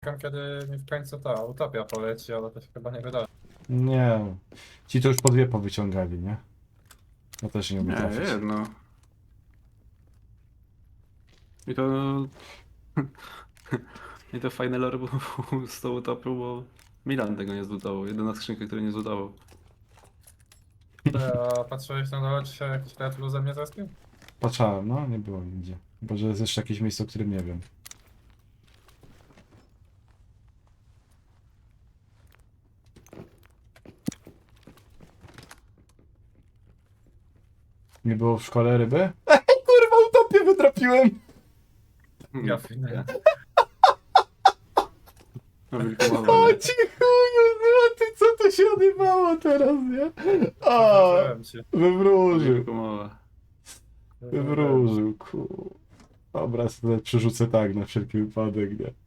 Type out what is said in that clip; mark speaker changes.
Speaker 1: Czekam, kiedy mi w końcu ta utopia poleci, ale to się chyba nie wydarzy.
Speaker 2: Nie. Ci to już po dwie powyciągali, nie? Ja też nie umiem
Speaker 3: Nie,
Speaker 2: trafić.
Speaker 3: jedno. I to... I to fajne lore było z tą utopią, bo Milan tego nie zlutował. Jedyna skrzynka, której nie zlutował.
Speaker 1: A patrzyłeś na dole, czy się jakiś Red Blue ze mnie zespił?
Speaker 2: Patrzałem, no, nie było nigdzie. Chyba, że jest jeszcze jakieś miejsce, o którym nie wiem. Nie było w szkole ryby? Ej, kurwa, utopię wytrapiłem!
Speaker 1: Ja finę.
Speaker 3: No wilkomowa,
Speaker 2: O
Speaker 3: nie?
Speaker 2: ci chuju, złoty, co to się odbywało teraz, nie? O,
Speaker 1: Zapraszałem cię.
Speaker 2: wywróżył,
Speaker 3: Wilkomowa.
Speaker 2: wywróżył, kur... Dobra, sobie przerzucę tak na wszelki wypadek, nie?